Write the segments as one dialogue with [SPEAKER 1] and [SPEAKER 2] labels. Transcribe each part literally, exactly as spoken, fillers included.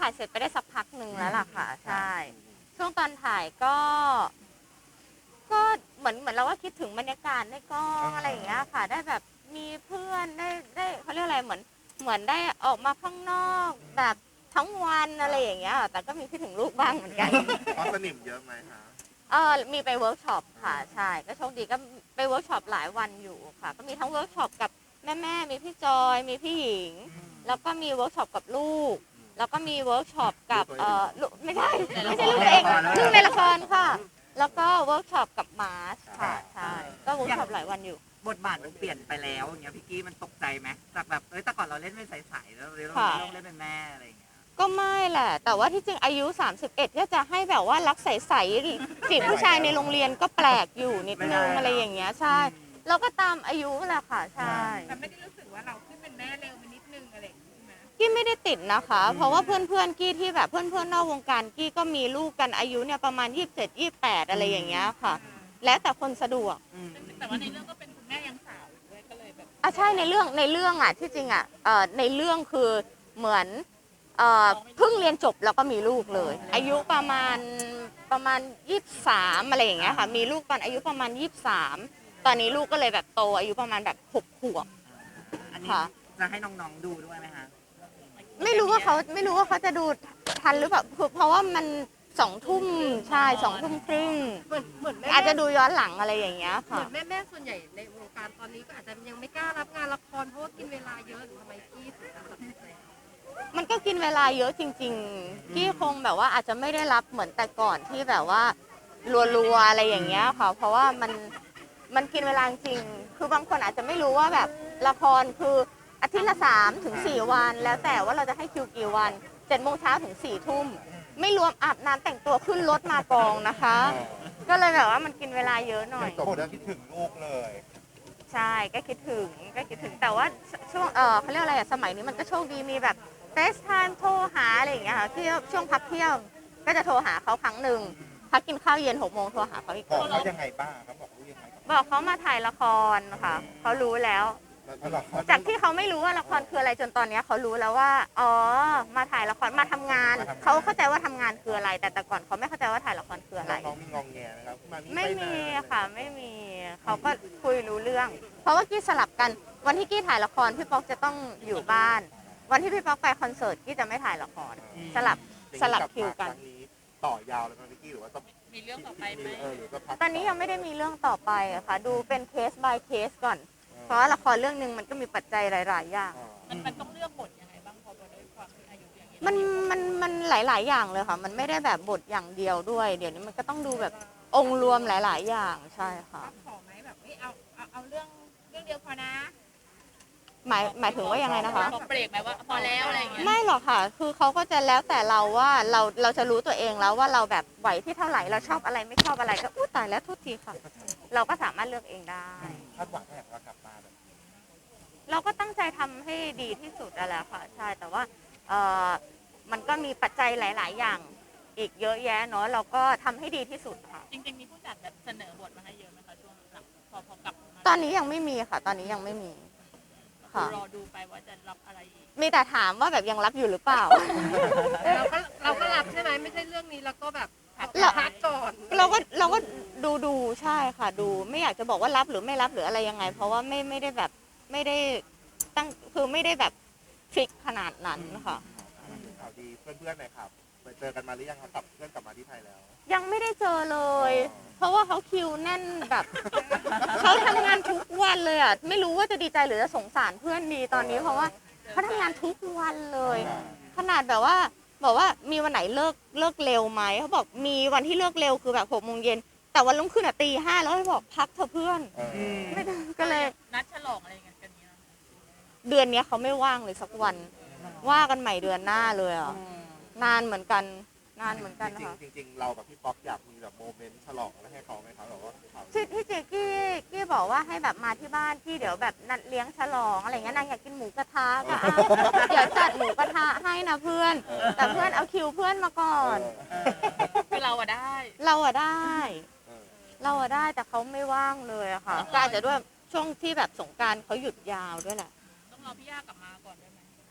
[SPEAKER 1] ถ่ายเสร็จไปได้สักพักหนึ่งแล้วล่ะค่ะใช่ช่วงตอนถ่ายก็ก็เหมือนเหมือนเราก็คิดถึงบรรยากาศในกองอะไรอย่างเงี้ยค่ะได้แบบมีเพื่อนได้ได้เขาเรียกอะไรเหมือนเหมือนได้ออกมาข้างนอกแบบทั้งวันอะไรอย่างเงี้ยแต่ก็มีคิดถึงลูกบ้างเหมือนกัน
[SPEAKER 2] เพราะสนิมเยอะไหมคะ
[SPEAKER 1] เออมีไปเวิร์กช็อปค่ะใช่ก็โชคดีก็ไปเวิร์กช็อปหลายวันอยู่ค่ะก็มีทั้งเวิร์กช็อปกับแม่แม่มีพี่จอยมีพี่หญิงแล้วก็มีเวิร์กช็อปกับลูกแล้วก็มีเวิร์กช็อปกับเออลูกไม่ใช่ไม่ใช่ลูกตัวเองลูกในละครค่ะแล้วก็เวิร์กช็อปกับมาร์ชค่ะใช่ก็เวิร์กช็อปหลายวันอยู่
[SPEAKER 3] บทบาทมันเปลี่ยนไปแล้วอย่างเงี้ยพี่กี้มันตกใจไหมจากแบบเอ้ยแต่ก่อนเราเล่นเป็นใสๆแล้วเราเล่นเล่นเป็นแม่อะไรอย่างเงี้ย
[SPEAKER 1] ก็ไม่แหละแต่ว่าที่จริงอายุสามสิบเอ็ดก็จะให้แบบว่ารักใสๆจีบผู้ชายในโรงเรียนก็แปลกอยู่นิดนึงอะไรอย่างเงี้ยใช่เราก็ตามอายุแหละค่ะใช่
[SPEAKER 4] แต่ไม่ได้รู้สึกว่าเราขึ้นเป็นแม่เร็วไปนิดนึงอะไรอย่างงี้ใช่ไหม
[SPEAKER 1] กี้ไม่ได้ติดนะคะเพราะว่าเพื่อนๆกี้ที่แบบเพื่อนๆนอกวงการกี้ก็มีลูกกันอายุเนี่ยประมาณยี่สิบเจ็ด ยี่สิบแปดอะไรอย่างเงี้ยค่ะแล้วแต่คนสะดวก
[SPEAKER 4] แต่ว่าในเรื่องก็เป็นคุณแม่ยังสาวด้วยก็เลยแบบ
[SPEAKER 1] อ่ะใช่ในเรื่องในเรื่องอ่ะที่จริงอ่ะเอ่อในเรื่องคือเหมือนเอ่อเพิ่งเรียนจบแล้วก็มีลูกเลยอายุประมาณประมาณยี่สิบสามอะไรอย่างเงี้ยค่ะมีลูกตอนอายุประมาณยี่สิบสามตอนนี้ลูกก็เลยแบบโตอายุประมาณแบบหกขวบ
[SPEAKER 3] อันนี้จะให้น้องๆดูด้วยไหมคะ
[SPEAKER 1] ไม่รู้ว่าเขาไม่รู้ว่าเขาจะดูทันหรือเปล่าเพราะว่ามันสองทุ่มใช่สองทุ่มครึ่ง
[SPEAKER 4] เหมือนเหมือน
[SPEAKER 1] อาจจะดูย้อนหลังอะไรอย่างเงี้ยค่ะ
[SPEAKER 4] เหมือนแม่แม่ส่วนใหญ่ในวงการตอนนี้ก็อาจจะยังไม่กล้ารับงานละครเพราะว่ากินเวลาเยอะหรือทำไมกี้ถึงตัดสินใจ
[SPEAKER 1] มันก็กินเวลาเยอะจริงๆกี้คงแบบว่าอาจจะไม่ได้รับเหมือนแต่ก่อนที่แบบว่ารัวๆอะไรอย่างเงี้ยค่ะเพราะว่ามันมันกินเวลาจริงคือบางคนอาจจะไม่รู้ว่าแบบละครคืออาทิตย์ละสามถึงสี่วันแล้วแต่ว่าเราจะให้คิวกี่วันเจ็ดโมงเช้าถึงสี่ทุ่มไม่รวมอาบน้ำแต่งตัวขึ้นรถมากองนะคะก็เลยแบบว่ามันกินเวลาเยอะหน่อย
[SPEAKER 2] จบแล้วคิดถึงลูกเลย
[SPEAKER 1] ใช่ก็คิดถึงก็คิดถึงแต่ว่าช่วงเออเขาเรียกอะไรอะสมัยนี้มันก็โชคดีมีแบบเฟซไทม์โทรหาอะไรอย่างเงี้ยค่ะที่ช่วงพักเที่ยงก็จะโทรหาเขาครั้งหนึ่งพักกินข้าวเย็นหกโมงโทรหาเขาอีก
[SPEAKER 2] บอกเขายังไงบ้างเขาบอกเขายังไง
[SPEAKER 1] บอกเขามาถ่ายละครค่ะเขารู้แล้วจากที่เขาไม่รู้ว่าละครคืออะไรจนตอนนี้เขารู้แล้วว่าอ๋อมาถ่ายละครมาทำงานเขาเข้าใจว่าทำงานคืออะไรแต่แต่ก่อนเขาไม่เข้าใจว่าถ่ายละครคืออะไร
[SPEAKER 2] น้องมีงองแงนะครับ
[SPEAKER 1] ไม่มีค่ะไม่มีเขาก็คุยรู้เรื่องเพราะว่ากี้สลับกันวันที่กี้ถ่ายละครพี่ป๊อกจะต้องอยู่บ้านวันที่พี่ป๊อกไปคอนเสิร์ตกี้จะไม่ถ่ายละครสลับสลับคิวกัน
[SPEAKER 2] ต่อยาวเลยนะพี่กี้หรือว่าต้อง
[SPEAKER 4] มีเรื่องต่อไปไหม
[SPEAKER 1] ตอนนี้ยังไม่ได้มีเรื่องต่อไปอะค่ะดูเป็นเคส by เคสก่อนเพราะว่าละครเรื่องนึงมันก็มีปัจจัยหลายๆอย่าง
[SPEAKER 4] มันมันต้องเลือกบทยังไงบ้างพอด้วยความที่อายุอย่างนี้
[SPEAKER 1] มันมันมันหลายๆอย่างเลยค่ะมันไม่ได้แบบบทอย่างเดียวด้วยเดี๋ยวนี้มันก็ต้องดูแบบองค์รวมหลายๆอย่างใช่ค่ะ
[SPEAKER 4] ขอไหมแบบเอาเอาเอาเรื่องเรื่องเดียวพอนะ
[SPEAKER 1] หมายหมายถึงว่ายังไงนะคะ
[SPEAKER 4] เบรกไหมว่าพอแล้วอะไรอย่างเงี้ย
[SPEAKER 1] ไม่หรอกค่ะคือเขาก็จะแล้วแต่เราว่าเราเราจะรู้ตัวเองแล้วว่าเราแบบไหวที่เท่าไหร่เราชอบอะไรไม่ชอบอะไรก็อู้ตายแล้วทุกทีค่ะเราก็สามารถเลือกเองได้
[SPEAKER 2] คาดหวังให้เรากลับมาแบบ
[SPEAKER 1] เราก็ตั้งใจทำให้ดีที่สุดนั่นแหละค่ะใช่แต่ว่าเออมันก็มีปัจจัยหลายๆอย่างอีกเยอะแยะเนาะเราก็ทำให้ดีที่สุดค่ะ
[SPEAKER 4] จริงๆมีผู้จัดแบบเสนอบทมาให้เยอะไหมคะช่วงหลังพอพอกลับ
[SPEAKER 1] ตอนนี้ยังไม่มีค่ะตอนนี้ยังไม่มี
[SPEAKER 4] รอดูไปว่าจะรับอะไร
[SPEAKER 1] มีแต่ถามว่าแบบยังรับอยู่หรือเปล่า
[SPEAKER 4] เราก็เราก็รับใช่ไหมไม่ใช่เรื่องนี้แล้วก็แบบพักก่อน
[SPEAKER 1] เราก็เราก็ดูดูใช่ค่ะดูไม่อยากจะบอกว่ารับหรือไม่รับหรืออะไรยังไงเพราะว่าไม่ไม่ได้แบบไม่ได้ตั้งคือไม่ได้แบบฟิกขนาดนั้นค่ะ
[SPEAKER 2] ข่าวดีเพื่อนๆหน่อยครับไปเจอกันมาหรือยังครับกลับเพื่อนกลับมาที่ไทยแล้ว
[SPEAKER 1] ยังไม่ได้เจอเลยเพราะว่าเขาคิวแน่นแบบเขาทำงานทุกวันเลยอ่ะไม่รู้ว่าจะดีใจหรือจะสงสารเพื่อนดีตอนนี้เพราะว่าเขาทำงานทุกวันเลยขนาดแบบว่าบอกว่ามีวันไหนเลิกเลิกเร็วไหมเขาบอกมีวันที่เลิกเร็วคือแบบหกโมงเย็นแต่วันรุ่งขึ้นอ่ะตีห้าแล้วให้บอกพักเถอะเพื่อนไม่ก็เลย
[SPEAKER 4] นัดฉลองอะไรกันกันนี้
[SPEAKER 1] เดือนนี้เขาไม่ว่างเลยสักวันว่ากันใหม่เดือนหน้าเลยอ่ะนานเหมือนกันนานเหมือนกันค่ะ
[SPEAKER 2] จริงๆเรากับพี่ป๊อกอยากมีแบบโมเมนต์ฉลองอะไรให้เขาไหมครับแบบว่า
[SPEAKER 1] ที่ที่เจ๊กี้กี้บอกว่าให้แบบมาที่บ้านที่เดี๋ยวแบบนัดเลี้ยงฉลองอะไรเงี้ยนางอยากกินหมูกระทะก็เดี๋ยวจัดหมูกระทะให้นะเพื่อนแต่เพื่อนเอาคิวเพื่อนมาก่อน
[SPEAKER 4] คือเราอะได้
[SPEAKER 1] เราอะได้เราอะได้แต่เขาไม่ว่างเลยอะค่ะก็อาจจะด้วยช่วงที่แบบสงกรานต์เขาหยุดยาวด้วยแหละ
[SPEAKER 4] ต้องรอพี่ย่ากลับมาก่อนได้ไหม
[SPEAKER 1] ค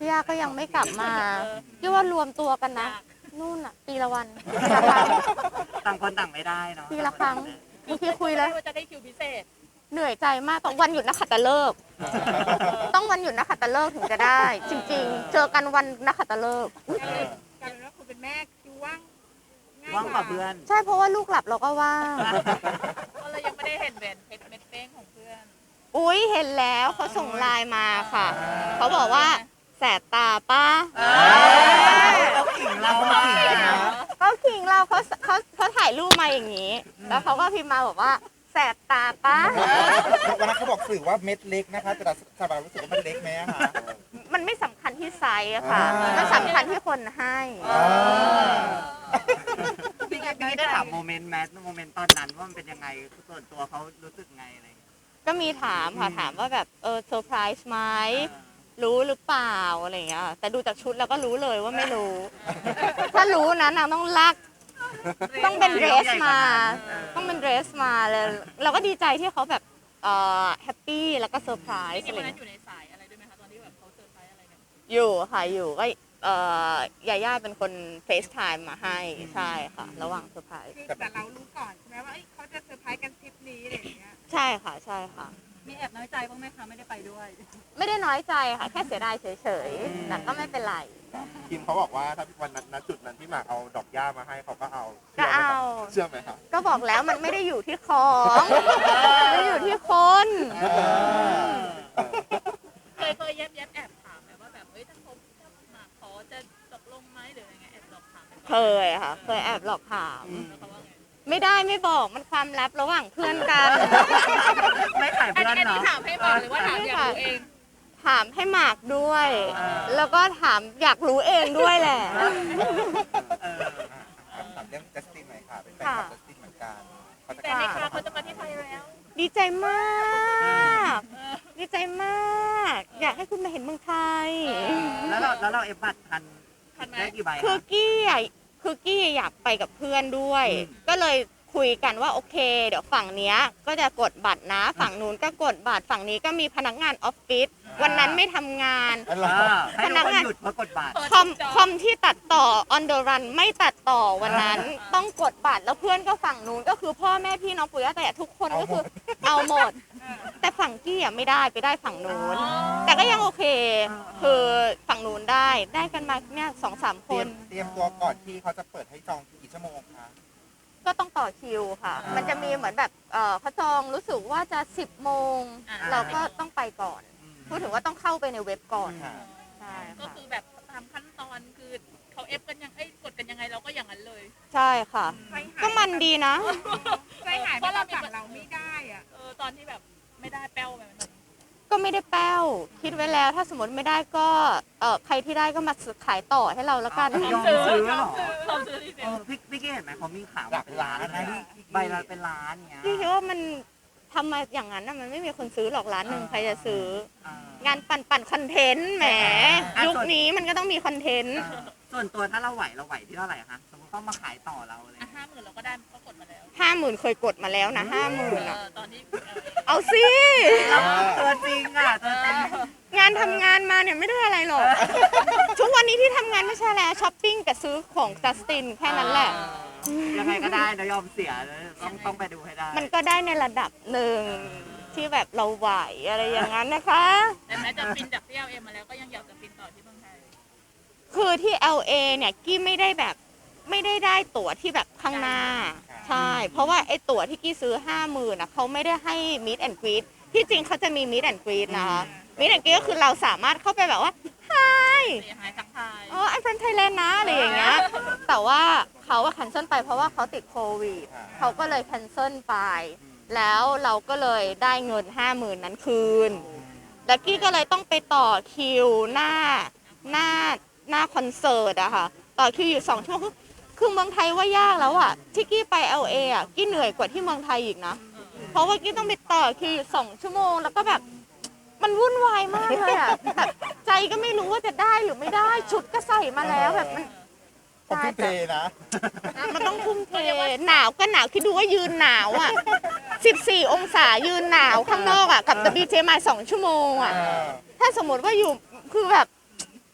[SPEAKER 1] พี่ย่าก็ยังไม่กลับมาพี่ว่ารวมตัวกันนะนู่นอะปีละวันปีละครั้ง
[SPEAKER 3] ต่างคนต่างไม่ได้เนาะ
[SPEAKER 1] ปีละครั้งบางทีคุยแล้ว
[SPEAKER 5] ว่าจะได้คิวพิเศษ
[SPEAKER 1] เหนื่อยใจมากต้องวันหยุดนักขัตฤกษ์ต้องวันหยุดนักขัตฤกษ์ถึงจะได้ จริง ๆ เจอกันวันนักขัตฤกษ์
[SPEAKER 5] กลายเป็นว่าคุณเป็นแม่คิวว่างง่าย
[SPEAKER 3] ว่างกว่าเพื่อน
[SPEAKER 1] ใช่เพราะว่าลูกหลับเราก็ว่าง
[SPEAKER 5] ก็เลยยังไม่ได้เห็นแหวนเพชรเม็ดเป้งของเพื่อน
[SPEAKER 1] อุ้ยเห็นแล้วเขาส่งไลน์มาค่ะ เขาบอกว่าแสบตาป้า
[SPEAKER 3] เขาขิงเรามาขิงนะ
[SPEAKER 1] เขาขิงเราเขาเขาเขาถ่ายรูปมาอย่างนี้ แล้วเขาก็พิมพ์มาบอกว่าแสบตาป้า
[SPEAKER 2] วันนั้นเขาบอกสื่อว่าเม็ดเล็กนะคะแต่สบายรู้สึกว่ามันเล็กไหมอะคะ
[SPEAKER 1] มันไม่สำคัญที่ไซส์อะค่ะ
[SPEAKER 2] อ่ามั
[SPEAKER 1] มันสำคัญที่คนให้
[SPEAKER 3] พี่แกพี่ได้ถามโมเมนต์แมทโมเมนต์ตอนนั้นว่ามันเป็นยังไงส่วนตัวเขารู้สึกไงอะไรอย่างเงี้ย
[SPEAKER 1] ก็มีถามค่ะถามว่าแบบเออเซอร์ไพรส์ไหมรู้หรือเปล่าอะไรอย่างเงี้ยแต่ดูจากชุดแล้วก็รู้เลยว่าไม่รู้ ถ้ารู้นะนางต้องลัก ต้องเป็นเดรสมา ต้องเป็นเดรสมาเลยเราก็ดีใจที่เขาแบบเอ่อแฮปปี้แล้วก็เซอร์ไพร
[SPEAKER 5] จ
[SPEAKER 1] ส์
[SPEAKER 5] ริ
[SPEAKER 1] อะ
[SPEAKER 5] ง
[SPEAKER 1] ไร
[SPEAKER 5] ๆวันนั้น
[SPEAKER 1] เงี้ย
[SPEAKER 5] อยู่ในสายอะไรด้วยไหมคะตอนที่แบบเขาเซอร์ไพรส์อะไรกัน
[SPEAKER 1] อยู่ค่ะอยู่ก็เอ่อยาย่าเป็นคนเฟซไทม์มาให้ใช่ค่ะ ระหว่างเซอร์ไพรส์
[SPEAKER 5] คือแต่เรารู้ก่อนใช่ไหมว่าเขาจะเซอร์ไพรส์กันทริปนี้อะไรอย่างเงี้ย
[SPEAKER 1] ใช่ค่ะใช่ค่ะ
[SPEAKER 5] มีแอบน้อยใจบ้างไหมคะไม่ได้ไปด้วย
[SPEAKER 1] ไม่ได้น้อยใจค่ะ แค่เสียดายเฉยๆแต่ก็ไม่เป็นไร
[SPEAKER 2] คิมเขาบอกว่าถ้าวันนั้นณจุดนั้นที่หมากเอาดอกหญ้ามาให้เขาก็เอา
[SPEAKER 1] ก็เอา
[SPEAKER 2] เชื่อไหมครับ
[SPEAKER 1] ก็บอกแล้วมันไม่ได้อยู่ที่ของมันอยู่ที่คน
[SPEAKER 5] เคยเคยแยบแยบแอบถามไหมว่าแบบเอ้ยถ้าเขาถ้ามาขอจะตกลงไหมหรืออะไรเงี้ยแอบหลอกถามไหม
[SPEAKER 1] เคยค่ะ เคยแอบหลอกถาม
[SPEAKER 5] แล้วเขาว่าไง
[SPEAKER 1] ไม่ได้ไม่บอกมันความลับระหว่างเพื่อนกัน
[SPEAKER 3] ไม่ขาย
[SPEAKER 5] อัน
[SPEAKER 3] เพื่อน
[SPEAKER 5] นี้อัน
[SPEAKER 3] เนาะ
[SPEAKER 5] นี้ถามให้บอกหรือว่าถามอยากรู้เอง
[SPEAKER 1] ถามให้หมากด้วย
[SPEAKER 3] อ่า
[SPEAKER 1] แล้วก็ถามอยากรู้เองด้วยแหละ
[SPEAKER 3] เออ
[SPEAKER 2] ถามเรื่องจัสตินหน่อยค่ะ เป็นแฟนคลับจัสตินเหมือนกันเขาจะ
[SPEAKER 5] แต่ในคาเขาจะมาที่ไทยแล้ว
[SPEAKER 1] ดีใจมาก ดีใจมาก อยากให้คุณมาเห็นเมืองไทย
[SPEAKER 3] แล้วเราแล้วเราเอฟบัตรทัน
[SPEAKER 5] ทันไหม
[SPEAKER 3] ได้กี่ใบ
[SPEAKER 1] คือ
[SPEAKER 3] คะ
[SPEAKER 1] กี้อ่ะคือกี้อยากไปกับเพื่อนด้วย
[SPEAKER 3] อืม
[SPEAKER 1] ก็เลยคุยกันว่าโอเค เดี๋ยวฝั่งเนี้ยก็จะกดบัตรนะ ฝั่งนู้นก็กดบัตรฝั่งนี้ก็มีพนักงานออฟฟิศวันนั้นไม่ทำงาน
[SPEAKER 2] อันเรา
[SPEAKER 3] อ่าให้ทุกคนหยุดเพื่อกดบัตร
[SPEAKER 1] คอมคอมที่ตัดต่อ on the run ไม่ตัดต่อวันนั้น ต้องกดบัตรแล้วเพื่อนก็ฝั่งนู้นก็คือพ่อแม่พี่น้องปู่ย่าตายายทุกคนก็คือเอาหมด แต่ฝั่งกี้อ่ะไม่ได้ไปได้ฝั่งนู้น แต่ก็ยังโอเค คือฝั่งนู้นได้ได้กันมาเนี่ยสองสามค
[SPEAKER 2] เตรีย
[SPEAKER 1] น
[SPEAKER 2] มเตรียมตัวก่อนที่เขาจะเปิดให้จองกี่ชั่วโมงคะ
[SPEAKER 1] ก็ต้องต่อคิวค่ะ มันจะมีเหมือนแบบเอ่อเขาจองรู้สึกว่าจะสิบโมง
[SPEAKER 5] อ่า
[SPEAKER 1] เราก็ต้องไปก่อน พูดถึงว่าต้องเข้าไปในเว็บก่อน
[SPEAKER 2] ค่ะ
[SPEAKER 1] ใช่
[SPEAKER 5] ก็
[SPEAKER 1] ค่ะ
[SPEAKER 5] คือแบบตามขั้นตอนคือเขาเอฟกันยังไอ้ยกดกันยังไงเราก็อย่างนั้นเลย
[SPEAKER 1] ใช่ค่ะ ก็มันดีนะ
[SPEAKER 5] ใจหายเพราะเราฝั่งเราไม่ได้อ่ะเออตอนที่แบบไม่ได้แป้วไปมัน
[SPEAKER 1] ก็ไม่ได้แป้ว คิดไว้แล้วถ้าสมมติไม่ได้ก็เออใครที่ได้ก็มาขายต่อให้เราแล้วกัน
[SPEAKER 3] ยอมซื้อเหรอ
[SPEAKER 5] เราซื้อที่เซ็
[SPEAKER 3] เอน อพี่พี่เก้เห็นไหมเขามีข่าว
[SPEAKER 2] หลักล้านนะ
[SPEAKER 3] ใบละเป็นล้านเนี้ย
[SPEAKER 1] พี่คิดว่ามันทำมาอย่างนั้นน่ะมันไม่มีคนซื้อหรอกร้านหนึ่งใครจะซื้อ
[SPEAKER 3] อ่าง
[SPEAKER 1] านปั่นปั่นคอนเทนต์แหม
[SPEAKER 3] อ่ะ
[SPEAKER 1] ยุคนี้มันก็ต้องมีคอนเทนต์
[SPEAKER 3] อ่าส่วนตัวถ้าเราไหวเราไหวที่เท่าไหร่คะสมมติเขามาขายต่อเราอะไร
[SPEAKER 5] อ่ะห้าหมื่นเราก็ได้ก็กดมาแล้ว
[SPEAKER 1] ห้าหมื่นเคยกดมาแล้วนะห้าหมื่น
[SPEAKER 5] เอ
[SPEAKER 1] อ่ะ
[SPEAKER 5] อตอนที่เออ
[SPEAKER 1] เอาสิ
[SPEAKER 3] ตัวจริงอ่ะตัวจริง
[SPEAKER 1] งานทำงานมาเนี่ยไม่ได้อะไรหรอก ทุกวันนี้ที่ทำงานไม่ใช่แล้วช้อปปิ้งกับซื้อของจัสตินแค่นั้นแหละ
[SPEAKER 3] ยังไงก็ได้นะยอมเสียต้องต้องไปดูให้ได้
[SPEAKER 1] มันก็ได้ในระดับหนึ่งที่แบบเราไหวอะไรอย่างนั้นนะคะ
[SPEAKER 5] แต่แม้จะบินจากที่ แอล เอ มาแล้วก็ยังอยากจะบินต่อที่เมืองไทย
[SPEAKER 1] คือที่ แอล เอ เนี่ยกี้ไม่ได้แบบไม่ได้ได้ตั๋วที่แบบข้างหน้า ใช่ เพราะว่าไอ้ตั๋วที่กี้ซื้อห้าหมื่นอ่ะเขาไม่ได้ให้ meet and greet ที่จริงเขาจะมี meet and greet นะคะ meet and greet ก็คือเราสามารถเข้าไปแบบว่า hi
[SPEAKER 5] เสียหายทักทาย
[SPEAKER 1] อ๋อ I'm from Thailand นะอะไรอย่างเงี้ย แต่ว่าเขาอะ cancel ไปเพราะว่าเขาติดโควิด เขาก็เลย cancel ไป แล้วเราก็เลยได้เงินห้าหมื่นนั้นคืน แล้วกี้ก็เลยต้องไปต่อคิวหน้าหน้าหน้าคอนเสิร์ตอะค่ะ ต่อคิวอยู่สองชั่วโมงคือคือเมืองไทยว่ายากแล้วอะที่กี้ไป แอล เอ อะกี้เหนื่อยกว่าที่เมืองไทยอีกนะ เพราะว่ากี้ต้องไปต่อคิวอยู่สองชั่วโมงแล้วก็แบบมันวุ่นวายมากเลยอะแบบใจก็ไม่รู้ว่าจะได้หรือไม่ได้ชุดก็ใส่มาแล้วแบบมัน
[SPEAKER 2] ผมทุ่มเทนะ
[SPEAKER 1] มันต้องทุ่มเทหนาวก็หนาวคิดดูว่ายืนหนาวอ่ะสิบสี่องศายืนหนาวข้างนอกอ่ะกับ ดับเบิลยู ที มาสองชั่วโมงอ่ะ ถ้าสมมติว่าอยู่คือแบบ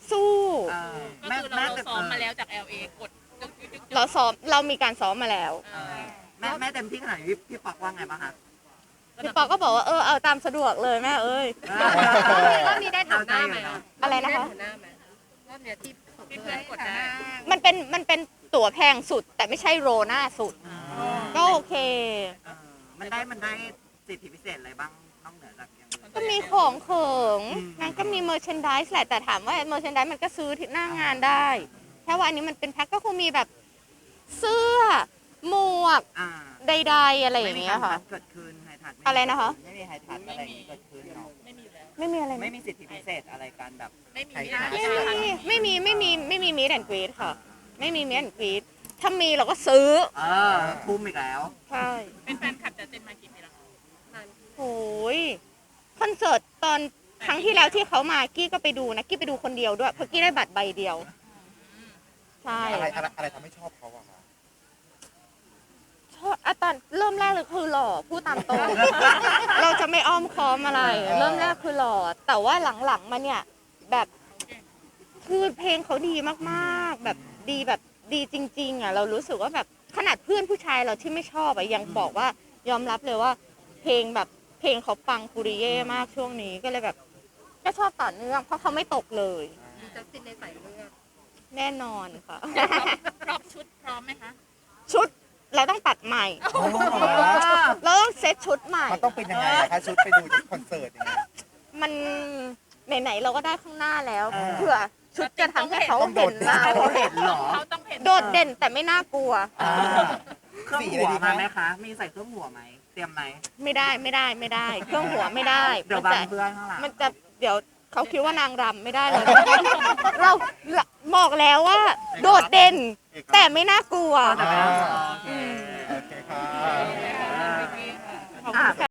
[SPEAKER 1] สู้
[SPEAKER 3] เออ
[SPEAKER 5] ก็
[SPEAKER 3] แม่
[SPEAKER 5] คือเรา
[SPEAKER 3] แม่
[SPEAKER 5] เรา
[SPEAKER 3] แต่
[SPEAKER 5] ซ้อมมาแล้วจาก แอล เอ กดจึ๊กจึ๊กจึ๊ก
[SPEAKER 1] เราซ้อมเรามีการซ้อมมาแล้ว
[SPEAKER 5] เออ
[SPEAKER 3] แม่แม่เต็มที่ขนาดนี้พี่พี่ปอกว่าไงบ้างคะ
[SPEAKER 1] พี่ปอก็บอกว่าเออเอาตามสะดวกเลยแม่เอ้ย
[SPEAKER 4] รอบนี้ได้แถวหน้าไหม
[SPEAKER 1] อะไรนะคะ
[SPEAKER 4] ด้แถวหน้าไหมรอบเนี้ยที่ส่ง
[SPEAKER 5] พี่
[SPEAKER 4] เพื่
[SPEAKER 5] เพื่
[SPEAKER 4] อ
[SPEAKER 5] อน นกดได้
[SPEAKER 1] มันเป็นมันเป็นตั๋วแพงสุด แต่ไม่ใช่โรหน้าสุด ก็โอเค
[SPEAKER 3] เออมันได้มันได้สิทธิพิเศษอะไรบ้างนอกเหนือจากอย่างอื่น
[SPEAKER 1] ก็มีของเขิง
[SPEAKER 3] อืม
[SPEAKER 1] มันก็มีเมอร์เชนดิสแหละ แต่ถามว่าเมอร์เชนดิสมันก็ซื้อที่หน้างานได้ แค่ว่าอันนี้มันเป็นแพ็คก็คงมีแบบเสื้อ หมวก
[SPEAKER 3] อ่า
[SPEAKER 1] ใดๆอะไรอย่างเงี้ยค่ะ
[SPEAKER 3] ไม่มีการเกิดขึ้นไฮทัด
[SPEAKER 1] อะไรนะคะ
[SPEAKER 3] ไม่มีไฮทัดอะไรอย่างงี้เกิดขึ้นเนาะ
[SPEAKER 5] ไม่มีอยู่แล้ว
[SPEAKER 1] ไม่มีอะไร
[SPEAKER 3] ไม่มีสิทธิพิเศษอะไรกันแบบ
[SPEAKER 5] ไม่มี
[SPEAKER 1] ไม่มีไม่มีไม่มีไม่มีมีดแอนกรีดค่ะ ไม่มีมีดแอนกรีดถ้ามีเราก็ซื้อ
[SPEAKER 3] เออทุ่มอีกแล้ว
[SPEAKER 1] ใช่
[SPEAKER 5] เป็นแฟนคลับจะเต็มมากี่ปีแล้ว
[SPEAKER 1] โอ้ยคอนเสิร์ตตอนครั้งที่แล้วที่เขามากี้ก็ไปดูนะกี้ไปดูคนเดียวด้วยเพราะกี้ได้บัตรใบเดียว ใช่
[SPEAKER 2] อะไรอะไรอะไรทำให้ชอบเขาอะคะ
[SPEAKER 1] ชอบอ่ะตอนเริ่มแรกเลยคือหล่อพูดตามตรง เราจะไม่อ้อมค้อมอะไร เริ่มแรกคือหล่อแต่ว่าหลังๆมาเนี่ยแบบคือเพลงเขาดีมากๆ แบบดีแบบดีจริงๆอ่ะเรารู้สึกว่าแบบขนาดเพื่อนผู้ชายเราที่ไม่ชอบอ่ะยังบอกว่ายอมรับเลยว่า เพลงแบบเพลงเขาปังปุริเย่มากช่วงนี้ก็เลยแบบ ก็ชอบต่อเนื่องเพราะเขาไม่ตกเลย
[SPEAKER 4] มีจัสตินในสายเลือด
[SPEAKER 1] แน่นอนค่ะ
[SPEAKER 5] พร้อมชุดพร้อมไหมคะ
[SPEAKER 1] ชุดเราต้องตัดใหม่ เราต้องเซตชุดใหม่
[SPEAKER 2] มันต้องเป็นยังไงอะคะชุดไปดูที่คอนเสิร์ตอย่างเงี้ย
[SPEAKER 1] มันไหนๆเราก็ได้ข้างหน้าแล้ว
[SPEAKER 3] เออ
[SPEAKER 1] เผื่อชุดจะทำให้เขา
[SPEAKER 2] ต้องโด
[SPEAKER 1] เห็
[SPEAKER 2] ด
[SPEAKER 1] น
[SPEAKER 2] เด่น
[SPEAKER 1] เรา
[SPEAKER 3] เขาเห็นเหรอ
[SPEAKER 5] เขาต้องเห็น
[SPEAKER 1] โดดเด่นแต่ไม่น่ากลัว
[SPEAKER 3] อ่าเครื่องหัวมาไหมคะ มีใส่เครื่องหัวไหมเตรียมไหม
[SPEAKER 1] ไม่ได้ไม่ได้ไม่ได้ เครื่องหัวไม่ได้
[SPEAKER 3] เดี๋ยว
[SPEAKER 1] มัน
[SPEAKER 3] บั
[SPEAKER 1] จะ
[SPEAKER 3] งเพื่อนข้างหลัง
[SPEAKER 1] มันจะเดี๋ยวเขาคิดว่านางรำไม่ได้เลย เราบอกแล้วว่า โดดเด่น แต่ไม่น่ากลัว
[SPEAKER 3] แต่ไม่น่ากลัว